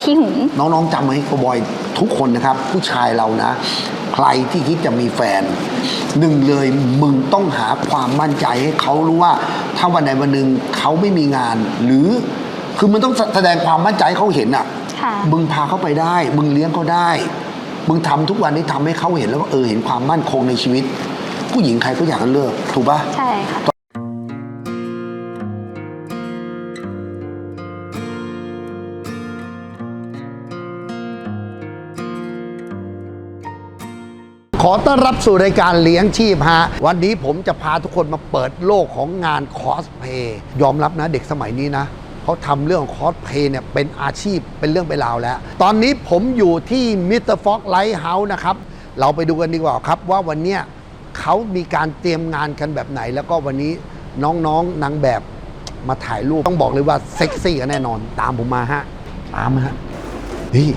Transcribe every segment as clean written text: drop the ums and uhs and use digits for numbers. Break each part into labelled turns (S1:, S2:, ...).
S1: ขี้หึง
S2: น้องๆจำไว้โกบอยทุกคนนะครับผู้ชายเรานะใครที่คิดจะมีแฟนหนึ่งเลยมึงต้องหาความมั่นใจให้เขารู้ว่าถ้าวันใดวันหนึ่งเขาไม่มีงานหรือคือมันต้องแสดงความมั่นใจให้เขาเห็นอ่ะมึงพาเขาไปได้มึงเลี้ยงเขาได้มึงทำทุกวันนี้ทำให้เขาเห็นแล้วว่าเห็นความมั่นคงในชีวิตผู้หญิงใครก็อยากจะเลิกถูกปะ
S1: ใช่ค่ะ
S2: ขอต้อนรับสู่รายการเลี้ยงชีพฮะวันนี้ผมจะพาทุกคนมาเปิดโลกของงานคอสเพย์ยอมรับนะเด็กสมัยนี้นะเขาทำเรื่องของคอสเพย์เนี่ยเป็นอาชีพเป็นเรื่องเป็นราวแล้วตอนนี้ผมอยู่ที่มิสเตอร์ฟ็อกไลท์เฮาส์นะครับเราไปดูกันดีกว่าครับว่าวันนี้เขามีการเตรียมงานกันแบบไหนแล้วก็วันนี้น้องๆนางแบบมาถ่ายรูปต้องบอกเลยว่าเซ็กซี่กันแน่นอนตามผมมาฮะตามมาฮะนี่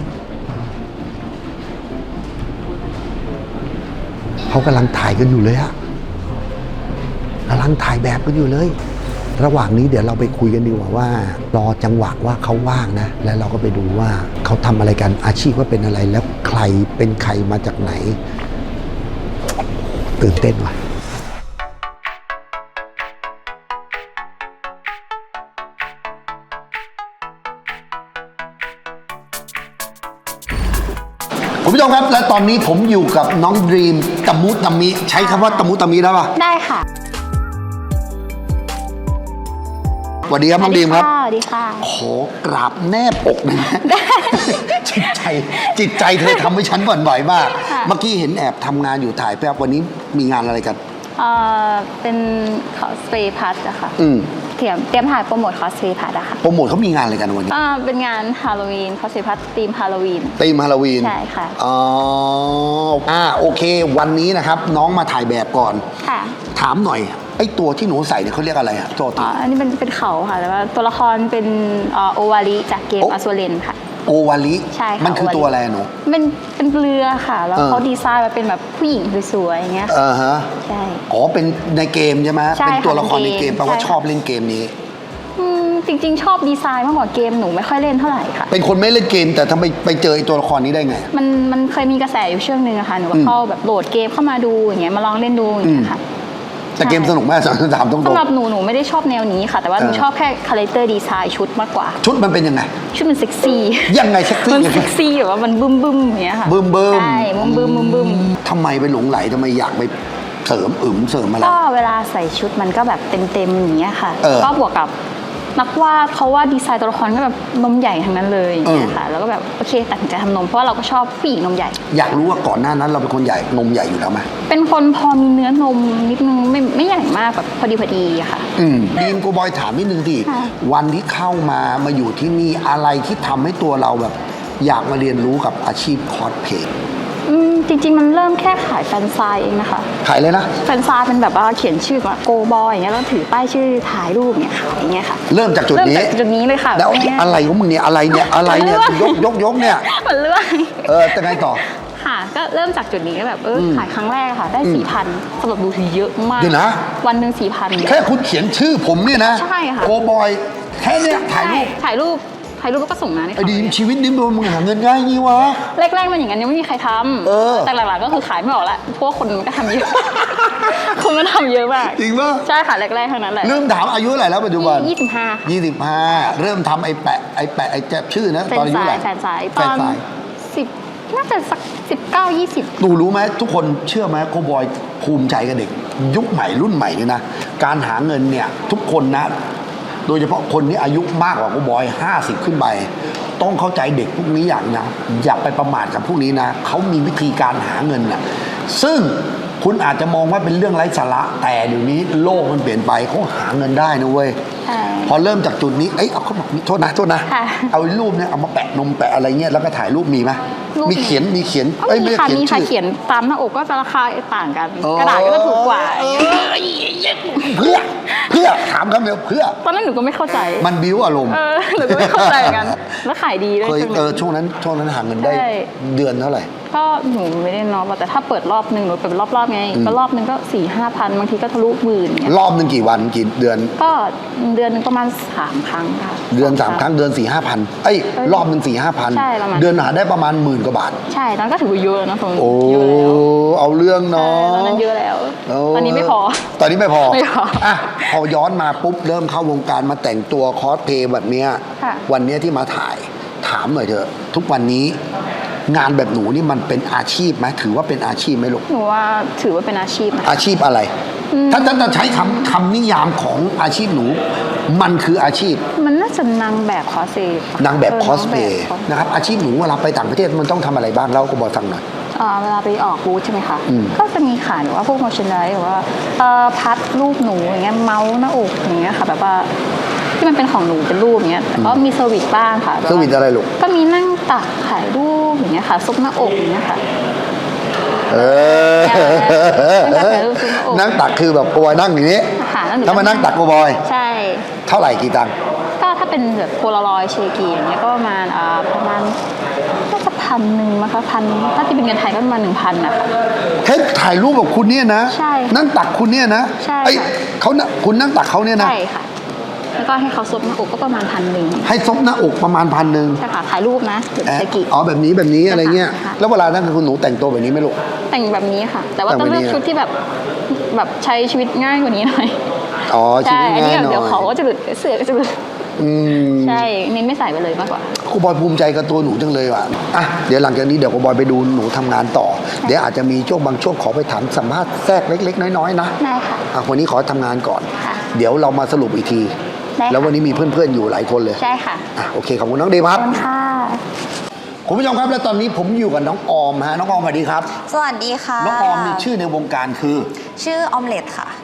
S2: เขากำลังถ่ายกันอยู่เลยอะกำลังถ่ายแบบกันอยู่เลยระหว่างนี้เดี๋ยวเราไปคุยกันดีกว่าว่ารอจังหวะว่าเขาว่างนะแล้วเราก็ไปดูว่าเขาทำอะไรกันอาชีพว่าเป็นอะไรแล้วใครเป็นใครมาจากไหนตื่นเต้นว่ะคุณผู้ชมครับและตอนนี้ผมอยู่กับน้องดรีมตะมุตะมิใช้คำว่าตะมุตะมิได้ป่ะ
S1: ได้ค่ะ
S2: สวัสดีครับน้องดรีมครับ
S1: สวัสดีค่ะ
S2: ขอกราบแนบอกนะจิตใจเธอทำให้ฉันบ่นบ่อยมากเมื่อกี้เห็นแอบทำงานอยู่ถ่ายแป๊บวันนี้มีงานอะไรกัน
S1: เป็นคอสเพย์พัทอะค่ะเตรียมถ่ายโปรโมทคอสเพย์พัทอะค่ะ
S2: โปรโมทเขามีงานอะไรกันวันนี้
S1: เป็นงานฮาโลวีนคอสเพย์พัทธีมฮาโลวีนใช่ค่ะ
S2: โอเควันนี้นะครับน้องมาถ่ายแบบก่อน
S1: ค่ะ
S2: ถามหน่อยไอ้ตัวที่หนูใส่เนี่ยเขาเรียกอะไรอะตัว
S1: อันนี้เป็นเขาค่ะแต่ว่าตัวละครเป็นโอวาริจากเกมอสวเลนค่ะ
S2: โอวาริ
S1: ใช่ค่ะ
S2: มันคือตัวอะไรหนู
S1: เป็นเรือค่ะแล้วเขาดีไซน์มาเป็นแบบผู้หญิงสวยๆอย่างเงี้ยใช่
S2: เป็นในเกมใช่ไหมเป็นตัวละครในเกมแปลว่าชอบเล่นเกมนี้
S1: จริงๆชอบดีไซน์มากกว่าเกมหนูไม่ค่อยเล่นเท่าไหร่ค่ะ
S2: เป็นคนไม่เล่นเกมแต่ทำไมไปเจอตัวละครนี้ได้ไง
S1: มันเคยมีกระแสอยู่ช่วงนึงอะค่ะหนูก็เข้าแบบโหลดเกมเข้ามาดูอย่างเงี้ยมาลองเล่นดูอย่างเงี้ยค่ะ
S2: แต่เกมสนุกมากถามตรงๆ
S1: สำหรับหนูไม่ได้ชอบแนวนี้ค่ะแต่ว่าหนูชอบแค่คาแรคเตอร์ดีไซน์ชุดมากกว่า
S2: ชุดมันเป็นยังไง
S1: ชุดมันเซ็กซี่
S2: ยังไงเซ็กซี่
S1: มันเซ็กซี่แบบว่ามันบึ้มอย่างเงี้ยค่ะ
S2: บึ้ม
S1: ใช่บึ้ม
S2: ทำไมไปหลงไหลทำไมอยากไปเสริมเสริมอะไร
S1: ก็เวลาใส่ชุดมันก็แบบเต็มอย่างเงี้ยค่ะก็บวกกับนักวาดเขาว่าดีไซน์ตัวละครก็แบบนมใหญ่ทั้งนั้นเลยอย่างเงี้ยค่ะแล้วก็แบบโอเคตัดสินใจทำนมเพราะว่าเราก็ชอบผู้หญิงนมใหญ่
S2: อยากรู้ว่าก่อนหน้านั้นเราเป็นคนใหญ่นมใหญ่อยู่แล้วไหม
S1: เป็นคนพอมีเนื้อนมนิดนึงไม่ใหญ่มากแบบพอดีอะค่ะ
S2: ดีมโกบอยถามนิดนึงสิวันที่เข้ามาอยู่ที่นี่อะไรที่ทำให้ตัวเราแบบอยากมาเรียนรู้กับอาชีพคอสเพลย์
S1: จริงๆมันเริ่มแค่ขายแฟนไซน์เองนะคะ
S2: ขายเลยนะ
S1: แฟนไซน์เป็นแบบว่าเขียนชื่อว่าโกบอยอย่างเงี้ยแล้วถือป้ายชื่อถ่ายรูปเนี่ยขายอย่างเงี้ยค่ะ
S2: เริ่มจากจุดนี้
S1: เลยค่ะ
S2: แล้วอะไรของมึงเนี่ยอะไรเนี่ยยกเนี่ย
S1: มันเลื่อย
S2: จะไงต่อ
S1: ค่ะก็เริ่มจากจุดนี้แบบขายครั้งแรกค่ะได้ 4,000 สำหรับดูถือเยอะมาก
S2: เดี๋ยวนะ
S1: วันหนึ่ง 4,000
S2: แค่คุณเขียนชื่อผมเนี่ยนะ
S1: ใช่ค่ะ
S2: โกบอยแค่เนี้ยถ่ายรูปแล้วก็ส่งมาให้เขาดีชีวิตนี้มึงหาเงินง่ายงี้วะ
S1: แรกๆมันอย่างนั้นยังไม่มีใครทำแต่หลังๆก็คือขายไม่ออกละเพราะว่าคนมันก็ทำเยอะคนมันทำเยอะมาก
S2: จริงป่ะ
S1: ใช่ค่ะแรกๆทั้งนั้นแหละ
S2: เริ่มถามอายุเท่าไหร่แล้วปัจจุบัน
S1: 25
S2: เริ่มทำไอ้แปะแจ็บชื่อนะตอนอายุเท่าไหร่
S1: แฟนไซน์ตอน10น่าจะสัก19-20
S2: หนูรู้ไหมทุกคนเชื่อไหมโกบอยภูมิใจกับเด็กยุคใหม่รุ่นใหม่เนี่ยนะการหาเงินเนี่ยทุกคนนะโดยเฉพาะคนที่อายุมากกว่าโกบอย50ขึ้นไปต้องเข้าใจเด็กพวกนี้อย่างนะอย่าไปประมาทกับพวกนี้นะเขามีวิธีการหาเงินนะซึ่งคุณอาจจะมองว่าเป็นเรื่องไร้สาระแต่เดี๋ยวนี้โลกมันเปลี่ยนไปเขาหาเงินได้นะเว้ยพอเริ่มจากจุดนี้เอาเขาบอกโทษนะเอารูปเนี่ยเอามาแปะนมแปะอะไรเงี้ยแล้วก็ถ่ายรูปมีไหมมีเขียน
S1: ไม่เขียนตามหน้าอกก็จะราคาต่างกันกระดาษก็จะถูกกว่า
S2: เพื่อเพื่อถามคำเดียวเพื่อ
S1: ตอนนั้นหนูก็ไม่เข้าใจ
S2: มันบิ้วอารมณ์
S1: หนูก็ไม่เข้าใจเหมือนกันแล้วขายดีด้วย
S2: ช่วงนั้นหาเงินได้เดือนเท่าไหร่
S1: ก็หนูไม่ได้นับแต่ถ้าเปิดรอบหนึ่งหนูเปิดรอบไงก็รอบหนึ่งก็4-5 พันบางทีก็ทะลุหมื่นเนี่ย
S2: รอบหนึ่งกี่วันกี่เดือน
S1: ก็เดือนนึงประมาณ3 ครั้งค่ะ
S2: เดือน3 ครั้งเดือน4-5 พันรอบหนึ่ง4-5 พัน
S1: ใช่ประมาณ
S2: เดือนหาได้ประมาณ10,000 กว่าบาท
S1: ใช่ตอนก็ถือว่าเยอะนะตรง
S2: โอ้
S1: เยอะแล้ว
S2: เอาเรื่องเนาะ
S1: ตอนนั้นเยอะแล้วตอนนี้ไม่พอ
S2: ตอนนี้ไม่พอ
S1: อ่ะ
S2: พอย้อนมาปุ๊บเริ่มเข้าวงการมาแต่งตัวคอสเพลย์แบบเนี้ยวันเนี้ยที่มาถ่ายถามหน่อยเถอะทุกวันนี้งานแบบหนูนี่มันเป็นอาชีพไหมถือว่าเป็นอาชีพไหมลูก
S1: หนูว่าถือว่าเป็นอาชีพนะ
S2: อาชีพอะไรถ้าจะใช้คำนิยามของอาชีพหนูมันคืออาชีพ
S1: มันน่าจะนางแบบคอสเพลย์
S2: นางแบบคอสเพลย์นะครับอาชีพหนูเวลาไปต่างประเทศมันต้องทำอะไรบ้างเล่าก็บอกฟังหน่อย
S1: เวลาไปออกบูธใช่ไหมคะก็จะมีขายหรือว่าพวกโมชั่นไดหรือว่าพัดรูปหนูอย่างเงี้ยเมาส์หน้าอกอย่างเงี้ยค่ะแบบว่าที่มันเป็นของหนูเป็นรูปอย่างเงี้ยแต่ก็มีเซอร์วิสบ้างค่ะ
S2: เซอร์วิสอะไรลูก
S1: ก็มีนั่งตักถ่ายรูปอย่างเงี้ยค่ะซุปหน้าอกอย่างเงี้ยค่ะ
S2: นั่งตักคือแบบโกบอยนั่งอย่างนี้ถ้ามานั่งตักโกบอย
S1: ใช่
S2: เท่าไหร่กี่ตังค์
S1: ก็ถ้าเป็นแบบโพลารอยด์เชกีอย่างเงี้ยก็ประมาณน่าจะ1,000มั้งคะถ้าที่เป็นเงินไทยก็ประมาณ1,000นะคะ
S2: แค่ถ่ายรูปกับคุณเนี่ยนะ
S1: ใช่
S2: นั่งตักคุณเนี่ยนะ
S1: ใช่
S2: คุณนั่งตักเขาเนี่ยนะ
S1: ใช่ค่ะแล้วก็ให้เขาซบหน้าอกก็ประมาณ1,000
S2: ให้ซบหน้าอกประมาณ1,000
S1: ใช่ค่ะถ่ายรูปนะแบบเชกิ
S2: แบบนี้อะไรเงี้ยแล้วเวลานั่นคือคุณหนูแต่งตัวแบบนี้ไหมลูก
S1: แต่งแบบนี้ค่ะแต่ว่าต้องเลือกชุดที่แบบใช้ชีวิตง่ายกว่านี้หน่อย
S2: ใช่อันนี้
S1: เดี๋ยวเขาก็จะหลุดเสื้อก็จะหลุดใช่เน้นไม่ใส่ไปเลยมากกว่า
S2: ครูบอยภูมิใจกับตัวหนูจังเลยว่ะเดี๋ยวหลังจากนี้เดี๋ยวครูบอยไปดูหนูทำงานต่อเดี๋ยวอาจจะมีช่วงบางช่วงขอไปถามสัมภาษณ์แทรกเล็กๆน้อยๆนะ
S1: ได้ค่ะ
S2: วันนี้ขอทำงานก่อนเดี๋ยวเรามาสรุปอีกทีแล้ววันนี้มีเพื่อนๆอยู่หลายคนเลย
S1: ใช่ค่ะ
S2: โอเคขอบคุณน้องเดย์ครับ
S1: ขอบคุณค่ะ
S2: คุณผู้ชมครับและตอนนี้ผมอยู่กับน้องออมฮะน้องออมสวัสดีครับ
S3: สวัสดีค่ะ
S2: น้องออมมีชื่อในวงการคือ
S3: ชื่อออมเล็ตค่ะ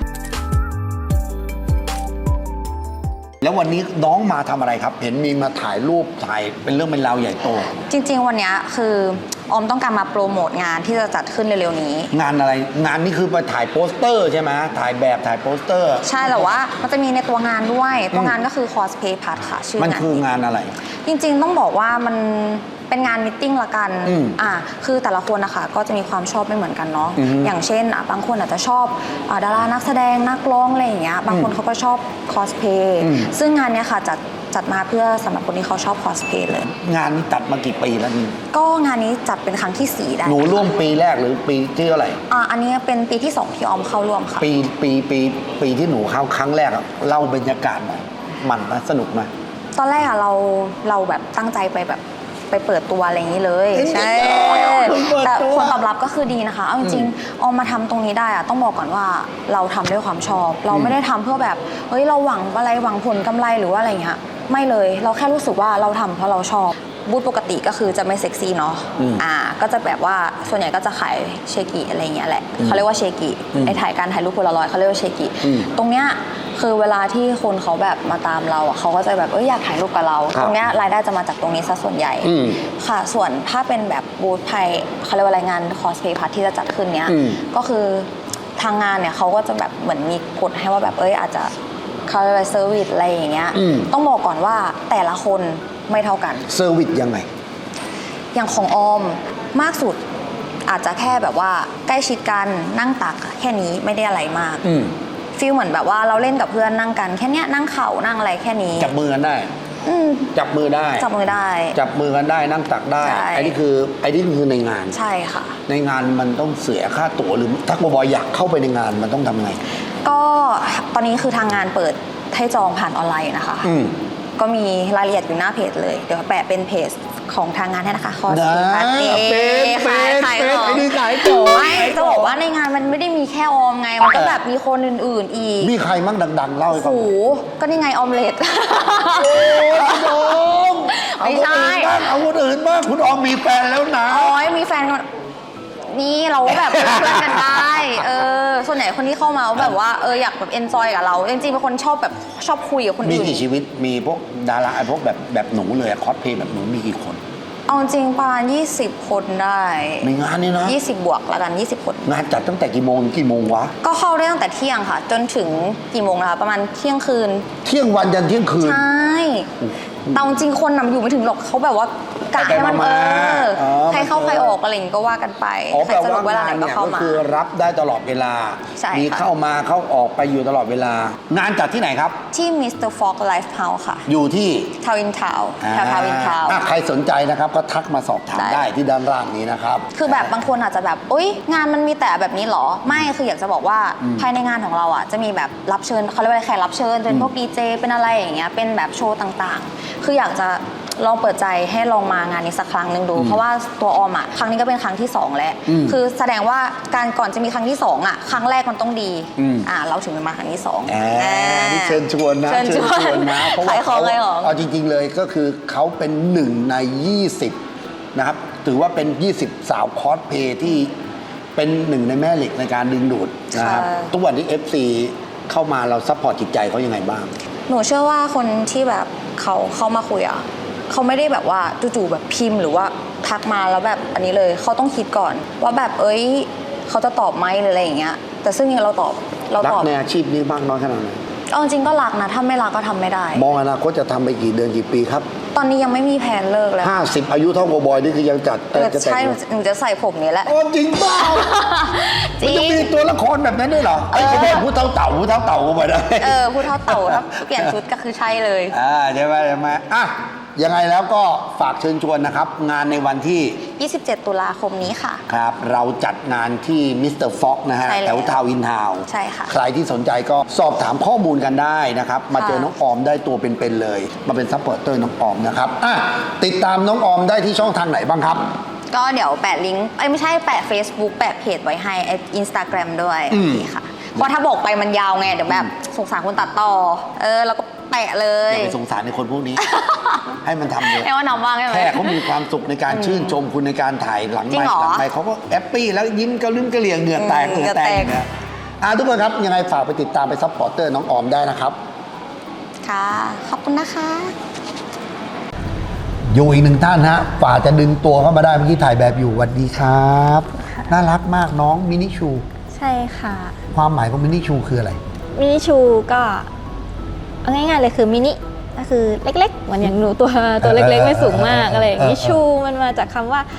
S2: แล้ววันนี้น้องมาทำอะไรครับเห็นมีมาถ่ายรูปถ่ายเป็นเรื่องเป็นราวใหญ่โต
S3: จริงๆวันนี้คือออมต้องการมาโปรโมทงานที่จะจัดขึ้นเร็วๆนี้
S2: งานอะไรงานนี้คือไปถ่ายโปสเตอร์ใช่ไหมถ่ายแบบถ่ายโปสเตอร์
S3: ใช่แต่ว่ามันจะมีในตัวงานด้วยตัวงานก็คือคอสเพย์พัทค่ะชื่อ
S2: มันคืองานอะไร
S3: จริงๆต้องบอกว่ามันเป็นงานมิทติ้งละกันคือแต่ละคนนะคะก็จะมีความชอบไม่เหมือนกันเนาะอย่างเช่นบางคนอาจจะชอบดารานักแสดงนักร้องอะไรอย่างเงี้ยบางคนเขาก็ชอบคอสเพย์ซึ่งงานเนี้ยค่ะจัดมาเพื่อสำหรับคนที่เขาชอบคอสเพย์เลย
S2: งานนี้จัดมากี่ปีแล้วนี่
S3: ก็งานนี้จัดเป็นครั้งที่4ได้
S2: หนูร่วมปีแรกหรือปีที่เท่าไหร่
S3: อันนี้เป็นปีที่2ที่ออมเข้าร่วมค่ะ
S2: ปีที่หนูเข้าครั้งแรกเล่าบรรยากาศหน่อยมันนะสนุกไหม
S3: ตอนแรกเราแบบตั้งใจไปแบบไปเปิดตัวอะไรอย่างนี้เลยใช่แต่ผลตอบรับก็คือดีนะคะเอาจริงๆออมมาทำตรงนี้ได้ต้องบอกก่อนว่าเราทำด้วยความชอบเราไม่ได้ทำเพื่อแบบเฮ้ยเราหวังอะไรหวังผลกำไรหรือว่าอะไรเงี้ยไม่เลยเราแค่รู้สึกว่าเราทำเพราะเราชอบบูธปกติก็คือจะไม่เซ็กซี่เนาะก็จะแบบว่าส่วนใหญ่ก็จะขายเชกิอะไรเงี้ยแหละเขาเรียกว่าเชกิในการถ่ายรูปโพลารอยด์เขาเรียกว่าเชกิตรงเนี้ยคือเวลาที่คนเขาแบบมาตามเราเขาก็จะแบบอยากถ่ายรูปกับเราตรงเนี้ยรายได้จะมาจากตรงนี้ซะส่วนใหญ่ค่ะส่วนถ้าเป็นแบบบูธไทยเขาเรียกว่ารายงานคอสเพย์พาร์ทที่จะจัดขึ้นเนี้ยก็คือทางงานเนี่ยเขาก็จะแบบเหมือนมีกฎให้ว่าแบบอาจจะเขาเรียกว่าเซอร์วิสอะไรอย่างเงี้ยต้องบอกก่อนว่าแต่ละคนไม่เท่ากัน
S2: เซอร์วิสยังไง
S3: อย่างของออมมากสุดอาจจะแค่แบบว่าใกล้ชิดกันนั่งตักแค่นี้ไม่ได้อะไรมากฟีลเหมือนแบบว่าเราเล่นกับเพื่อนนั่งกันแค่นี้นั่งเข่านั่งอะไรแค่นี้
S2: จับมือกันได้จับมือได้
S3: จับมือ
S2: กันได้นั่งตักได้ไอ้นี่คือในงาน
S3: ใช่ค่ะ
S2: ในงานมันต้องเสียค่าตั๋วหรือถ้าบอยอยากเข้าไปในงานมันต้องทำไง
S3: ก็ตอนนี้คือทางงานเปิดให้จองผ่านออนไลน์นะคะก็มีรายละเอียดอยู่หน้าเพจเลยเดี๋ยวแปะเป็นเพจของทางงานให้นะคะคอส
S2: เพย์ขายของ
S3: ไม่จะบอกว่าในงานมันไม่ได้มีแค่ออมไงมันก็แบบมีคนอื่นๆอีก
S2: มีใครมั่งดังๆเล่าให้ฟัง
S3: โอ้โหก็นี่ไงออมเล็ตไม่ใช่
S2: เอาคนอื่นบ้างคุณออมมีแฟนแล้วนะ
S3: มีแฟนนี่เราแบบเพื่อนกันได้ส่วนใหญ่คนที่เข้ามาแบบว่าอยากแบบเอนจอยกับเราจริงๆเป็นคนชอบคุยกับคนอื่น
S2: มีกี่ชีวิตมีพวกดาราพวกแบบหนูเลยคอสเพย์แบบหนูมีกี่คน
S3: เอาจริงประมาณ20 คนได้
S2: ในงานนี้นะ
S3: 20 บวกแล้วกัน20 คน
S2: งานจัดตั้งแต่กี่โมงถึงกี่โมงวะ
S3: ก็เข้าได้ตั้งแต่เที่ยงค่ะ จนถึงกี่โมงนะคะประมาณเที่ยงคืน
S2: เที่ยงวันยันเที่ยงคืน
S3: ใช่แต่จริงคนนำอยู่ไม่ถึงหรอกเขาแบบว่ากะให้มัน
S2: ไปๆมาๆ
S3: ใครเข้าใครออกอะไรอย่างงี้ก็ว่ากันไป
S2: อ๋อ
S3: ใคร
S2: แปล
S3: สะดว
S2: ว่าก
S3: เวลาง
S2: า
S3: ไหน
S2: น
S3: ก็
S2: เนี่ย
S3: เข้า
S2: ก็
S3: มา
S2: คือรับได้ตลอดเวลา
S3: ใช่ค่ะ
S2: มีเข้ามาเข้าออกไปอยู่ตลอดเวลา งานจัดที่ไหนครับ
S3: ที่ Mr. Fox Life House ค่ะ
S2: อยู่ที่
S3: ทาวินทาวแถวทาวินทาว
S2: ใครสนใจนะครับก็ทักมาสอบถาม
S3: ได้
S2: ได้ที่ด้านล่างนี้นะครับ
S3: คือแบบบางคนอาจจะแบบอุ๊ยงานมันมีแต่แบบนี้เหรอ ไม่คืออยากจะบอกว่าภายในงานของเราอ่ะจะมีแบบรับเชิญเขาเรียกว่าแขกรับเชิญเป็นพวกดีเจเป็นอะไรอย่างเงี้ยเป็นแบบโชว์ต่างๆ คืออยากจะลองเปิดใจให้ลองมางานนี้สักครั้งหนึ่งดู เพราะว่าตัวออมอ่ะครั้งนี้ก็เป็นครั้งที่2แล้วคือแสดงว่าการก่อนจะมีครั้งที่2อ่ะครั้งแรกมันต้องดีเราถึงจะมาครั้งที่2
S2: นี่เชิญชวนนะ
S3: เชิญชวน
S2: นะเพราะว่า
S3: ขายของเลยเหรอ
S2: เอาจริงๆเลยก็คือเขาเป็น1 ใน 20นะครับถือว่าเป็น 20 สาวคอสเพลย์ที่เป็น1 ในแม่เหล็กในการดึงดูดนะครับทุกวันนี้ FC เข้ามาเราซัพพอร์ตจิตใจเขายังไงบ้าง
S3: หนูเชื่อว่าคนที่แบบเขาเข้ามาคุยอ่ะเขาไม่ได้แบบว่าจู่ๆแบบพิมพ์หรือว่าทักมาแล้วแบบอันนี้เลยเขาต้องคิดก่อนว่าแบบเขาจะตอบไหมหรืออะไรอย่างเงี้ยแต่ซึ่งเราตอบ
S2: รักในอาชีพนี้มากน้อยขนาดไหน
S3: เอาจริงก็รักนะถ้าไม่รักก็ทำไม่ได้
S2: มองอนาคตจะทำไปกี่เดือนกี่ปีครับ
S3: ตอนนี้ยังไม่มีแผนเลิกแล้ว
S2: 50 อายุเท่าโกบอยนี่คือยังจัดจะแต่ง
S3: ใช่หนูจะใส่ผมนี้แหละ
S2: โอ้จริงเปล่า
S3: จริ
S2: มัน
S3: ง
S2: จะมีตัวละครแบบนั้นด้วยเหรอไอ้โกบอยพูดเท่าเต่าพูดเท่าเต่าโกบอยได้
S3: พูดเท่าเต่าถ้าเปลี่ยนชุดก็คือใช่เลย
S2: ใช่ไหมอ่ะยังไงแล้วก็ฝากเชิญชวนนะครับ งานในวันที่
S3: 27 ตุลาคมนี้ค่ะ
S2: ครับเราจัดงานที่มิสเตอร์ฟ็อกนะฮะ
S3: ใช่แล้ว
S2: แถวทาวน์อินทาวน์
S3: ใช่ค่ะ
S2: ใครที่สนใจก็สอบถามข้อมูลกันได้นะครับ มาเจอน้องออมได้ตัวเป็นๆเลย มาเป็นซัพพอร์ตเตอร์น้องออมนะครับติดตามน้องออมได้ที่ช่องทางไหนบ้างครับ
S3: ก็เดี๋ยวแปะลิงก์ไม่ใช่แปะ Facebook แปะเพจไว้ให้Instagram ด้วยค่ะเพราะถ้าบอกไปมันยาวไงเดี๋ยวแบบสงสารคนตัดต่อแล้วก็แปะเล
S2: อย ย่าไปสงสารในคนพวกนี้ ให้มันทำเลย
S3: ให้ว่านำบ้างใช่ไหม
S2: แค่เขามีความสุขในการชื่นชมคุณในการถ่ายหลัง
S3: จริงเหรอ
S2: ไมค์เขาก็แฮปปี้แล้วยิ้มกระลืมกระเหลี่ยงเหงื่อแตก
S3: เหงื่อแตก
S2: เนี่ยทุกคนครับยังไงฝากไปติดตามไปซัพพอร์ตเตอร์น้องออมได้นะครับ
S3: ค่ะ ขอบคุณนะคะ
S2: อยู่อีกหนึ่งท่านฮะฝ่าจะดึงตัวเข้ามาได้เมื่อกี้ถ่ายแบบอยู่สวัสดีครับน่ารักมากน้องมินิชู
S4: ใช่ค่ะ
S2: ความหมายของมินิชูคืออะไร
S4: มินิชูก็เอาง่ายๆเลยคือมินิก็คือเล็กๆเหมือนอย่างหนูตัวเล็กๆไม่สูงมากอะไรอย่างนี้ชูมันมาจากคำว่า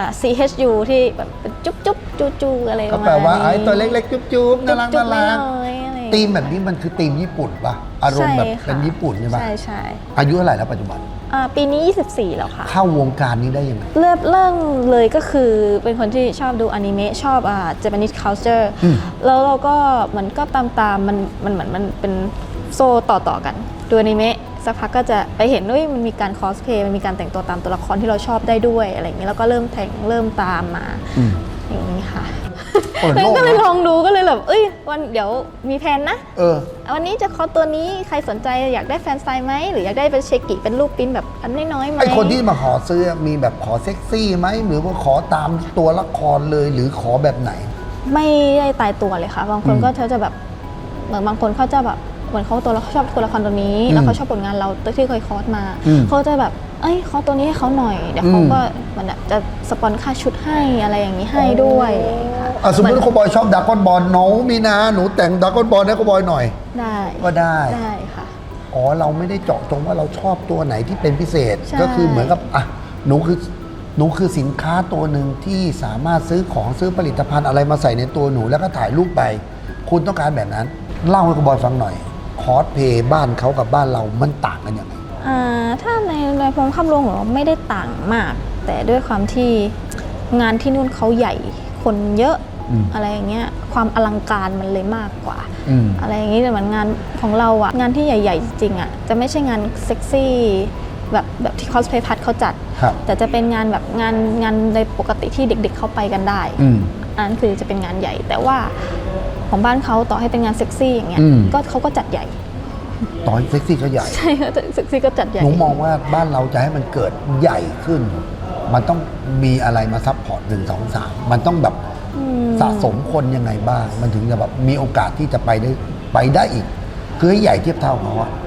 S4: CHU ที่แบบเป็นจุ๊บจุ๊บจูจูอะไรประ
S2: ก็
S4: มาณ
S2: แปลว่า
S4: นี้
S2: ไอ้ตัวเล็กๆ จุ๊บๆน่ารัก
S4: จุ๊
S2: น่า
S4: บๆ
S2: รัก
S4: น้อยๆอะไรอย่าง
S2: ธี
S4: งี้
S2: มแบบนี้มันคือธีมญี่ปุ่นป่ะอารมณ์แบบเป็นญี่ปุ่นใช่ป่ะ
S4: ใช่
S2: อายุเท่าไหร่แล้วปัจจุบัน
S4: ปีนี้ 24 แล้วค่ะ
S2: เข้าวงการนี้ได้ยังไง
S4: เริ่มเลยก็คือเป็นคนที่ชอบดูอนิเมะชอบJapanese culture แล้วเราก็มันก็ตามมันเหมือนมันเป็นโซ่ต่อกันดูอนิเมะสักพักก็จะไปเห็นว่ามันมีการคอสเพลย์มันมีการแต่งตัวตามตัวละครที่เราชอบได้ด้วยอะไรอย่างนี้แล้วก็เริ่มตามมาอย่างนี้ค่ะ
S2: เปิดโลก
S4: ก็เลย
S2: นะ
S4: ลองดูก็เลยแบบวันเดี๋ยวมีแผนนะ วันนี้จะคอตัวนี้ใครสนใจอยากได้แฟนไซน์ไหมหรืออยากได้เป็นเชกิเป็นรูปปริ้นแบบอันน้อยๆไหม
S2: ไอคนที่มาขอซื้อมีแบบขอเซ็กซี่ไหมหรือว่าขอตามตัวละครเลยหรือขอแบบไหน
S4: ไม่ได้ตายตัวเลยค่ะบางคนก็เขาจะแบบเหมือนบางคนเขาจะแบบเหมือนเขาชอบตัวละครตัวนี้แล้วเขาชอบผลงานเราที่เคยคอสมาเขาจะแบบคอสตัวนี้ให้เขาหน่อยเดี๋ยวเขาก็มันจะสปอนค่าชุดให้อะไรอย่างนี้ให้ด้วยค่ะ
S2: สมมติว่าโคบอยชอบดราก้อนบอลน้องมีนาหนูแต่งดราก้อนบอลให้โคบอยหน่อย
S4: ได้
S2: ก็ได้
S4: ค่ะ
S2: เราไม่ได้เจาะจงว่าเราชอบตัวไหนที่เป็นพิเศษ
S4: ใช่
S2: ก็คือเหมือนกับหนูคือสินค้าตัวหนึ่งที่สามารถซื้อของซื้อผลิตภัณฑ์อะไรมาใส่ในตัวหนูแล้วก็ถ่ายรูปไปคุณต้องการแบบนั้นเล่าให้โคบอยฟังหน่อยคอสเพย์บ้านเขากับบ้านเรามันต่างกันยังไง
S4: ถ้าในพงคำรวมของเราไม่ได้ต่างมาก แต่ด้วยความที่งานที่นู่นเขาใหญ่คนเยอะอะไรอย่างเงี้ยความอลังการมันเลยมากกว่าอะไรอย่างงี้แต่เหมือนงานของเราอะงานที่ใหญ่ๆจริงๆอะจะไม่ใช่งานเซ็กซี่แบบที่คอสเพลย์พัทเขาจัดแต่จะเป็นงานแบบงานในปกติที่เด็กๆเข้าไปกันได้อันนั้นคือจะเป็นงานใหญ่แต่ว่าของบ้านเขาต่อให้เป็นงานเซ็กซี่อย่างเงี้ยก็เขาก็จัดใหญ่
S2: ตอนเซ็กซี่ก็ใหญ่
S4: ใช่ค่ะเซ็กซี่ก็จัดใหญ่
S2: หนูมองว่าบ้านเราจะให้มันเกิดใหญ่ขึ้นมันต้องมีอะไรมาซัพพอร์ต1 2 3มันต้องแบบสะสมคนยังไงบ้างมันถึงจะแบบมีโอกาสที่จะไปได้อีกคือให้ใหญ่เทียบเท่าเขาอะ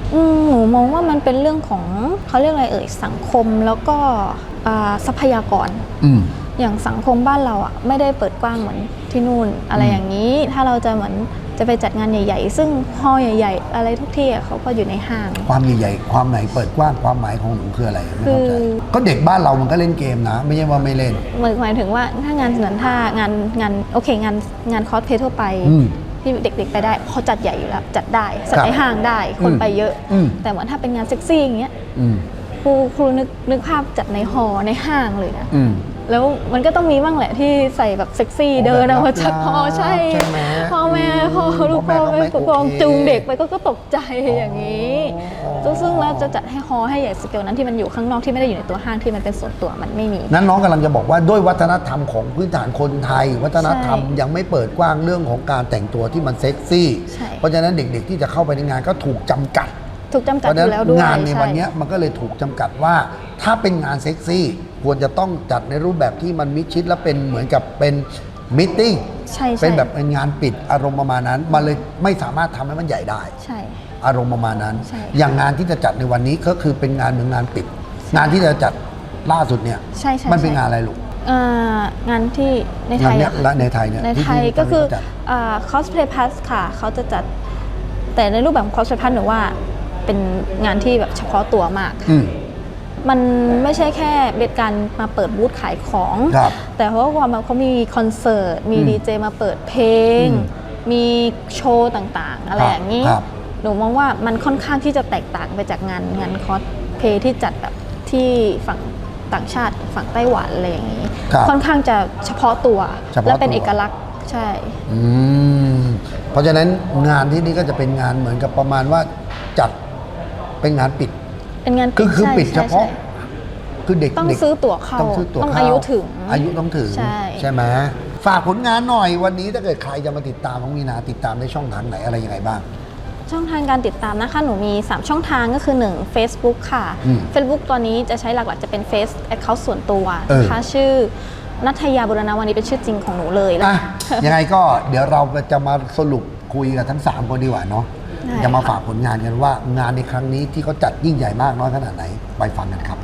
S4: หนูมองว่ามันเป็นเรื่องของเขาเรียกอะไรสังคมแล้วก็ทรัพยากรอย่างสังคมบ้านเราอ่ะไม่ได้เปิดกว้างเหมือนที่นู่นอะไรอย่างนี้ถ้าเราจะเหมือนจะไปจัดงานใหญ่ๆซึ่งฮอลล์ใหญ่ๆอะไรทุกที่เขาก็อยู่ในห้าง
S2: ความใหญ่ๆความไหนเปิดกว้างความหมายของหนูคืออะไรไม่เข้าใจก็เด็กบ้านเรามันก็เล่นเกมนะไม่ใช่ว่าไม่เล่น
S4: หมายถึงว่าถ้างานเหมือนถ้างานโอเคงานคอสเพลย์ทั่วไปที่เด็กๆไปได้เขาจัดใหญ่อยู่แล้วจัดได้จัดในห้างได้คนไปเยอะแต่เหมือนถ้าเป็นงานเซ็กซี่อย่างเงี้ยครูนึกภาพจัดในฮอลล์ในห้างเลยนะแล้วมันก็ต้องมีบ้างแหละที่ใส่แบบเซ็กซี่เดินออกมาจากฮอลล์ใช่พ่อแม่ลูกพ่อแม่ปกครองจูงเด็กไปก็ตกใจอย่างนี้ซึ่งเราจะจัดให้ฮอลล์ให้ใหญ่สเกลนั้นที่มันอยู่ข้างนอกที่ไม่ได้อยู่ในตัวห้างที่มันเป็นส่วนตัวมันไม่มี
S2: นั้นน้องกำลังจะบอกว่าด้วยวัฒนธรรมของพื้นฐานคนไทยวัฒนธรรมยังไม่เปิดกว้างเรื่องของการแต่งตัวที่มันเซ็กซี่เพราะฉะนั้นเด็กๆที่จะเข้าไปในงานก็ถูกจำกัด
S4: อยู่แล้วด้วย
S2: งานในวันนี้มันก็เลยถูกจำกัดว่าถ้าเป็นงานเซ็กซี่ควรจะต้องจัดในรูปแบบที่มันมิดชิดและเป็นเหมือนกับเป็นมิทติ้งเป็นแบบเป็นงานปิดอารมณ์ประมาณนั้นมันเลยไม่สามารถทำให้มันใหญ่ได้อารมณ์ประมาณนั้นอย่างงานที่จะจัดในวันนี้ก็คือเป็นงานเหมือนงานปิดงานที่จะจัดล่าสุดเนี่ยมันเป็นงานอะไรลูก
S4: งานที่ในไทย
S2: ในไทยเนี่ย
S4: ในไทยก็คือcosplay pass ค่ะเขาจะจัดแต่ในรูปแบบของ cosplay pass หนูว่าเป็นงานที่แบบเฉพาะตัวมากมันไม่ใช่แค่เป็นการมาเปิดบูธขายของแต่เพราะว่าเขามีคอนเสิร์ตมีดีเจมาเปิดเพลงมีโชว์ต่างๆอะไรอย่างนี้หนูมองว่ามันค่อนข้างที่จะแตกต่างไปจากงานคอสเพลย์ที่จัดแบบที่ฝั่งต่างชาติฝั่งไต้หวันอะไรอย่างนี้ค่อนข้างจะเฉพาะตัวและเป็นเอกลักษณ์ใช่
S2: เพราะฉะนั้นงานที่นี่ก็จะเป็นงานเหมือนกับประมาณว่าจัดเป็นงานปิด
S4: เป็นงาน
S2: คือปิดเฉพาะคือเด็ก
S4: ต้องซื้อตั๋วเข้าต้องอายุถึง
S2: ต้องถึงใช่ไหมฝากผลงานหน่อยวันนี้ถ้าเกิดใครจะมาติดตามน้องมีนาติดตามในช่องทางไหนอะไรยังไงบ้าง
S4: ช่องทางการติดตามนะคะหนูมี3ช่องทางก็คือ1 Facebook ค่ะ Facebook ตอนนี้จะใช้หลักๆจะเป็น Face Account ส่วนตัวนะคะชื่อณัฐยาบุรณวานิชเป็นชื่อจริงของหนูเลย
S2: ยังไงก็เดี๋ยวเราจะมาสรุปคุยกับทั้ง3คนดีกว่าเนาะจะมาฝากผลงานกันว่างานในครั้งนี้ที่เขาจัดยิ่งใหญ่มากน้อยขนาดไหนไปฟังกันครับ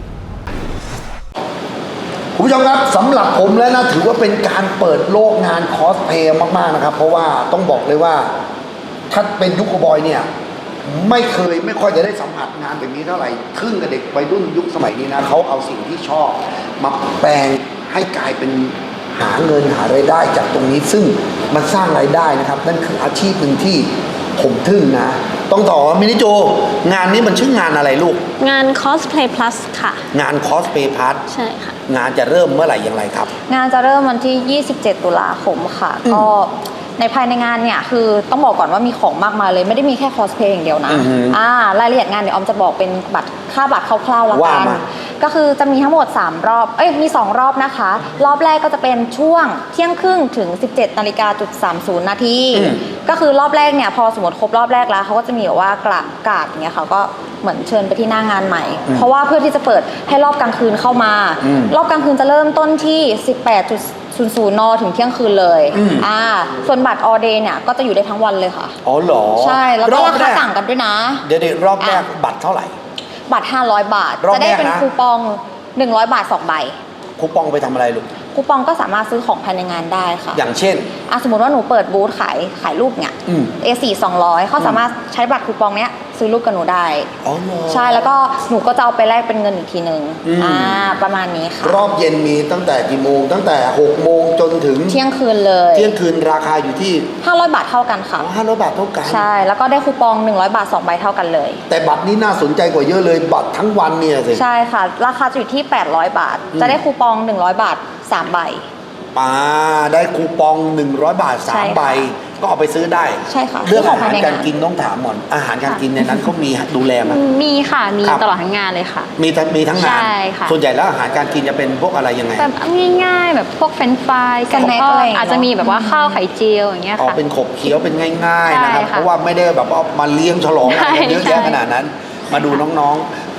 S2: คุณผู้ชมครับสำหรับผมแล้วนะถือว่าเป็นการเปิดโลกงานคอสเพลย์มากๆนะครับเพราะว่าต้องบอกเลยว่าถ้าเป็นยุคบอยเนี่ยไม่ค่อยจะได้สัมผัสงานแบบนี้เท่าไหร่ครึ่งกับเด็กวัยรุ่นยุคสมัยนี้นะเขาเอาสิ่งที่ชอบมาแปลงให้กลายเป็นหาเงินหารายได้จากตรงนี้ซึ่งมันสร้างรายได้นะครับนั่นคืออาชีพหนึ่งที่ผมทึ่งนะต้องต่อมินิโจงานนี้มันชื่องานอะไรลูก
S4: งาน Cosplay Plus ค่ะ
S2: งาน Cosplay Plus
S4: ใช่ค่ะ
S2: งานจะเริ่มเมื่อไหร่อย่างไรครับ
S3: งานจะเริ่มวันที่27ตุลาคมค่ะก็ในภายในงานเนี่ยคือต้องบอกก่อนว่ามีของมากมายเลยไม่ได้มีแค่คอสเพลย์อย่างเดียวนะรายละเอียดงานเดี๋ยวออมจะบอกเป็นค่าบัตรคร่าวๆละกันก็คือจะมีทั้งหมด3รอบมี2รอบนะคะรอบแรกก็จะเป็นช่วงเที่ยงครึ่งถึง 17:30 นาทีก็คือรอบแรกเนี่ยพอสมมติครบรอบแรกแล้วเขาก็จะมีแบบว่ากาดอย่างเงี้ยเขาก็เหมือนเชิญไปที่หน้างานใหม่เพราะว่าเพื่อที่จะเปิดให้รอบกลางคืนเข้ามารอบกลางคืนจะเริ่มต้นที่18:00 น.ถึงเที่ยงคืนเลยส่วนบัตรออเดย์เนี่ยก็จะอยู่ได้ทั้งวันเลยค่ะ
S2: อ๋อเหรอ
S3: ใช่แล้วก็ราคาต่างกันด้วยนะ
S2: เดี๋ยวรอบแรกบัตรเท่าไหร่
S3: บัตร500 บาทจะได้เป็นคูปอง100 บาท2 ใบ
S2: คูปองไปทำอะไรลูก
S3: คูปองก็สามารถซื้อของภายในงานได้ค่ะ
S2: อย่างเช่น
S3: สมมติว่าหนูเปิดบูธขายรูปเนี่ยA4 200เขาสามารถใช้บัตรคูปองเนี้ยซื้อรูปกับหนูได้ใช่แล้วก็หนูก็จะเอาไปแลกเป็นเงินอีกทีนึงประมาณนี้ค่ะ
S2: รอบเย็นมีตั้งแต่กี่โมงตั้งแต่6 โมงจนถึง
S3: เที่ยงคืนเลย
S2: เที่ยงคืนราคาอยู่ที่
S3: 500 บาทเท่ากันค่ะ
S2: 500 บาทเท่ากัน
S3: ใช่แล้วก็ได้คูปอง100 บาท2 ใบเท่ากันเลย
S2: แต่บัตรนี้น่าสนใจกว่าเยอะเลยบัตรทั้งวันเนี่ยสิ
S3: ใช่ค่ะราคาจะอยู่ที่800 บาทจะได้คูปอง100 บาท3 ใบ
S2: ได้คูปอง100 บาท3 ใบก็เอาไปซื้อได้
S3: ใช่ค่ะ
S2: เรื่องอาหารการกินต้องถามหมอนอาหารการกินในนั้นเขามีดูแลมั้ย
S1: มีค่ะมีตลอดทั้งงานเลยค่ะ
S2: มีทั้งงานส่วนใหญ่แล้วอาหารการกินจะเป็นพวกอะไรยังไง
S1: แบบง่ายๆแบบพวกเฟรนช์ฟรายกันก็อาจจะมีแบบว่าข้าวไข่เจียวอย่างเงี้ยค่ะ
S2: เป็นขบเคี้ยวเป็นง่ายๆนะครับเพราะว่าไม่ได้แบบว่ามาเลี้ยงฉลองอะไรเยอะแยะขนาดนั้นมาดูน้องๆ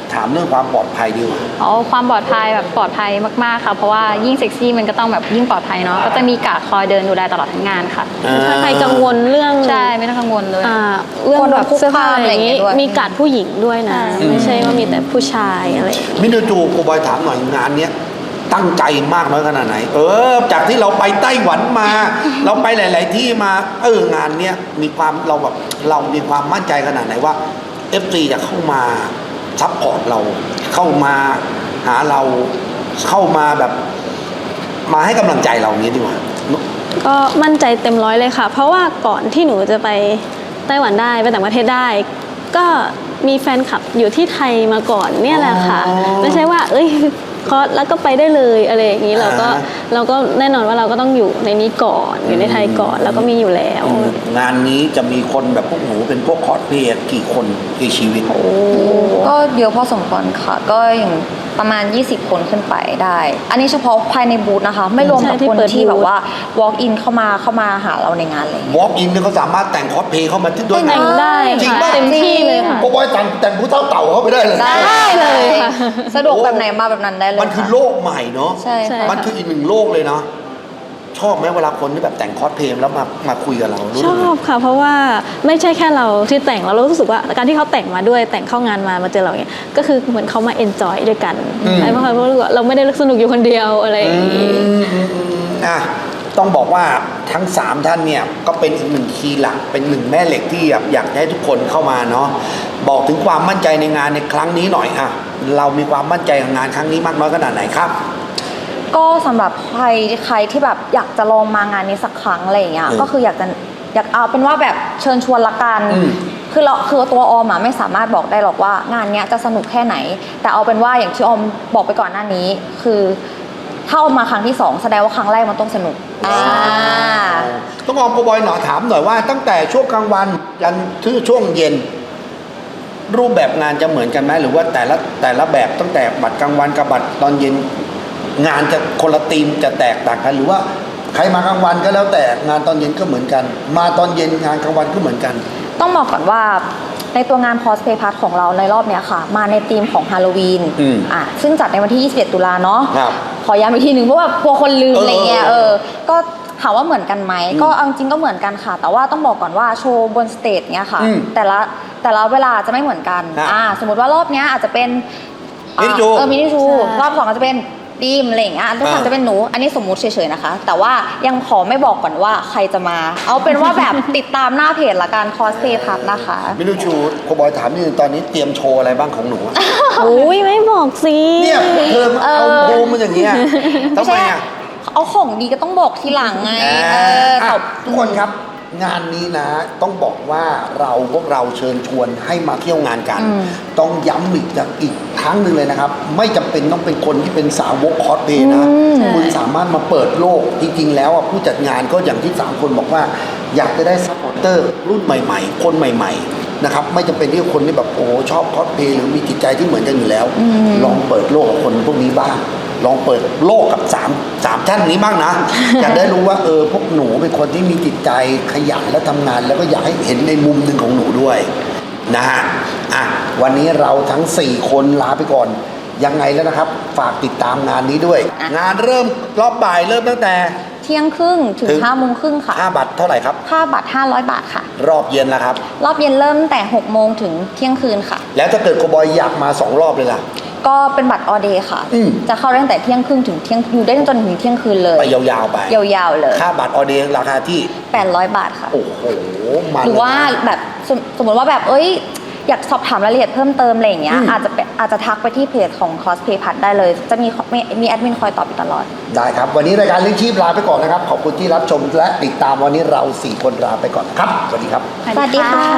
S2: ถามเรื่องความปลอดภัยดีกว่า
S1: อ๋อความปลอดภัยแบบปลอดภัยมากๆค่ะเพราะว่ายิ่งเซ็กซี่มันก็ต้องแบบยิ่งปลอดภัยเนาะก็จะมีการ์ดคอยเดินดูแลตลอดทั้งงานค่ะ
S4: ถ้าใครกังวลเรื่อง
S1: ใช่ไม่ต้องกังวลเลย
S4: เรื่องแบบเสื้อผ้าอะไรอย่างงี้
S3: ด้วย
S4: มีการ์ดผู้หญิงด้วยนะ ไม่ใช่ว่ามีแต่ผู้ชายอะไรอย่างงี้
S2: มินูจูโกบอยถามหน่อยงานเนี้ยตั้งใจมากน้อยขนาดไหนจากที่เราไปไต้หวันมา เราไปหลาย ๆ ที่มางานเนี้ยมีความเรามีความมั่นใจขนาดไหนว่า FC จะเข้ามาซัพพอร์ตเราเข้ามาหาเราเข้ามาแบบมาให้กำลังใจเราอย่างนี้ดีกว่า
S4: ก็มั่นใจเต็มร้อยเลยค่ะ เพราะว่าก่อนที่หนูจะไปไต้หวันได้ไปต่างประเทศได้ ก็มีแฟนคลับอยู่ที่ไทยมาก่อนเนี่ยแหละค่ะ ไม่ใช่ว่าคอร์สแล้วก็ไปได้เลยอะไรอย่างนี้เราก็แน่นอนว่าเราก็ต้องอยู่ในนี้ก่อนอยู่ในไทยก่อนแล้วก็มีอยู่แล้ว
S2: งานนี้จะมีคนแบบพวกหนูเป็นพวกคอสเพลย์กี่คนกี่ชีวิต
S3: ก็เยอะพอสมควรค่ะ ก็อย่างประมาณ 20 คนขึ้นไปได้ อันนี้เฉพาะภายในบูธนะคะ ไม่รวมกับ
S4: ใช่ที่
S3: คน
S4: เปิด
S3: ที่
S4: บูธ
S3: แบบว่า walk in เข้ามาหาเราในงานเลย
S2: Walk in เนี่ยเขาสามารถแต่งคอสเพลย์เข้ามาที่ด้วย
S4: แต่งได้
S2: จริง
S4: ค่ะ
S2: ป่ะ
S4: เต็มที่เลยค่ะ
S2: โกบอยแต่งผู้เท่าเต่าเข้าไปได้เลย
S3: ได้เลย
S4: ค่ะ
S3: สะดวกแบบไหนมาแบบนั้นได้เลย
S2: มันคือ
S3: ค่ะ
S2: โลกใหม่เนาะ
S3: ใช่
S4: ใช่
S3: ค่ะ
S2: มันคืออีกหนึ่งโลกเลยเนาะชอบไหมเวลาคนที่แบบแต่งคอสเพลย์แล้วมาคุยกับเรารู้
S4: ช
S2: สึกไง
S4: อบค่ะ เพราะว่าไม่ใช่แค่เราที่แต่งเรารู้สึกว่าการที่เขาแต่งมาด้วยแต่งเข้างานมาเจอเราเนี่ยก็คือเหมือนเขามาเอนจอยด้วยกันไอ้เพราะว่าเราไม่ได้สนุกอยู่คนเดียวอะไรอย่างนี้
S2: อ่ะต้องบอกว่าทั้ง 3 ท่านเนี่ยก็เป็นอีกหนึ่งคีย์หลักเป็นหนึ่งแม่เหล็กที่อยากให้ทุกคนเข้ามาเนาะบอกถึงความมั่นใจในงานในครั้งนี้หน่อยอ่ะเรามีความมั่นใจกับงานครั้งนี้มากน้อยขนาดไหนครับ
S3: ก็สำหรับใครที่แบบอยากจะลองมางานนี้สักครั้งอะไรอย่างเงี้ย ก็คืออยากเอาเป็นว่าแบบเชิญชวนละกัน คือตัวออมอะไม่สามารถบอกได้หรอกว่างานเนี้ยจะสนุกแค่ไหน แต่เอาเป็นว่าอย่างที่ออมบอกไปก่อนหน้านี้ คือถ้าออมมาครั้งที่ 2 แสดงว่าครั้งแรกมันต้องสนุก
S2: ต้องออมโกบอยหน่อยถามหน่อยว่าตั้งแต่ช่วงกลางวันยันถึงช่วงเย็น รูปแบบงานจะเหมือนกันไหมหรือว่าแต่ละแบบตั้งแต่บัตรกลางวันกับบัตรตอนเย็นงานจะคนละธีมจะแตกต่างกัน หรือว่าใครมากลางวันก็แล้วแต่งานตอนเย็นก็เหมือนกัน มาตอนเย็นงานกลางวันก็เหมือนกัน
S3: ต้องบอกก่อนว่าในตัวงาน cosplay part ของเราในรอบเนี้ยค่ะ มาในธีมของฮาโลวีนซึ่งจัดในวันที่ 21 ตุลาเนาะ ขอย้ำอีกทีหนึ่งเพราะว่ากลัวคนลืมอะไรเงี้ยก็ถามว่าเหมือนกันไหมก็เอาจริงก็เหมือนกันค่ะ แต่ว่าต้องบอกก่อนว่าโชว์บนสเตจเนี้ยค่ะแต่ละเวลาจะไม่เหมือนกันสมมติว่ารอบเนี้ยอาจจะเป็นมินิจูรอบ2อาจจะเป็นดีมอะไรอย่างเงี้ยรอบ3จะเป็นหนูอันนี้สมมุติเฉยๆนะคะแต่ว่ายังขอไม่บอกก่อนว่าใครจะมาเอาเป็นว่าแบบ ติดตามหน้าเพจละกัน cosplay part นะคะ
S2: มินูชูโกบอยถามนิดนึงตอนนี้เตรียมโชว์อะไรบ้างของหนู
S4: อุ้ยไม่บอกสิ
S2: เนี่ยเธอเอาโฮมมันอย่างเงี้ยทำไมอ่ะ
S3: เอาของดีก็ต้องบอกทีหลังไง
S2: ทุกคนครับงานนี้นะต้องบอกว่าพวกเราเชิญชวนให้มาเที่ยวงานกัน ต้องย้ำอีกครั้งหนึ่งเลยนะครับ ไม่จำเป็นต้องเป็นคนที่เป็นสาวกคอสเพลย์นะคุณสามารถมาเปิดโลกจริงๆแล้วผู้จัดงานก็อย่างที่3คนบอกว่าอยากจะได้ซัพพอร์เตอร์รุ่นใหม่ๆคนใหม่ๆนะครับไม่จำเป็นที่คนที่แบบโอ้ชอบคอสเพลย์หรือมีจิตใจที่เหมือนกันอยู่แล้วลองเปิดโลกกับคนพวกนี้บ้างลองเปิดโลกกับ3ท่านนี้บ้างนะ อยากได้รู้ว่าพวกหนูเป็นคนที่มีจิตใจขยันและทำงาน แล้วก็อยากให้เห็นในมุมหนึ่งของหนูด้วยนะฮะวันนี้เราทั้ง4คนลาไปก่อนยังไงแล้วนะครับฝากติดตามงานนี้ด้วยงานเริ่มรอบบ่ายเริ่มตั้งแต่
S3: เที่ยงครึ่งถึง5 โมงครึ่งค่ะ
S2: ค่าบัตรเท่าไหร่ครับ
S3: ค่าบัตร500 บาทค่ะ
S2: รอบเย็นแล้วครับ
S3: รอบเย็นเริ่มแต่6 โมงถึงเที่ยงคืนค่ะ
S2: แล้วถ้าเกิดโกบอยอยากมา2 รอบเลยล่ะ
S3: ก็เป็นบัตรออเดย์ค่ะจะเข้าได้ตั้งแต่เที่ยงครึ่งถึงเที่ยงอยู่ได้จนถึงเที่ยงคืนเลย
S2: ไปยาวๆไป
S3: ยาวๆเลย
S2: ค่าบัตรออเดย์ราคาที่
S3: 800 บาทค่ะ
S2: โอ้โห
S3: หรือว่าแบบสมมติว่าแบบอยากสอบถามรายละเอียดเพิ่มเติมอะไรอย่างเงี้ยอาจจะทักไปที่เพจของ cosplay part ได้เลยจะมีแอดมินคอยตอบอยู่ตลอด
S2: ได้ครับวันนี้รายการเลี้ยงชีพลาไปก่อนนะครับขอบคุณที่รับชมและติดตามวันนี้เรา4 คนลาไปก่อนครับสวัสดีครับ
S3: สวัสดีค่ะ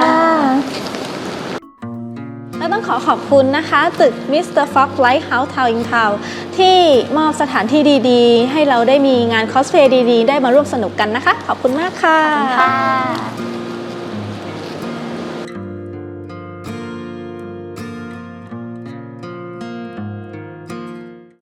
S4: และต้องขอบคุณนะคะตึก Mr. Fox Lighthouse Town in Town ที่มอบสถานที่ดีๆให้เราได้มีงานคอสเพลย์ดีๆได้มาร่วมสนุกกันนะคะขอบคุณมากค่ะ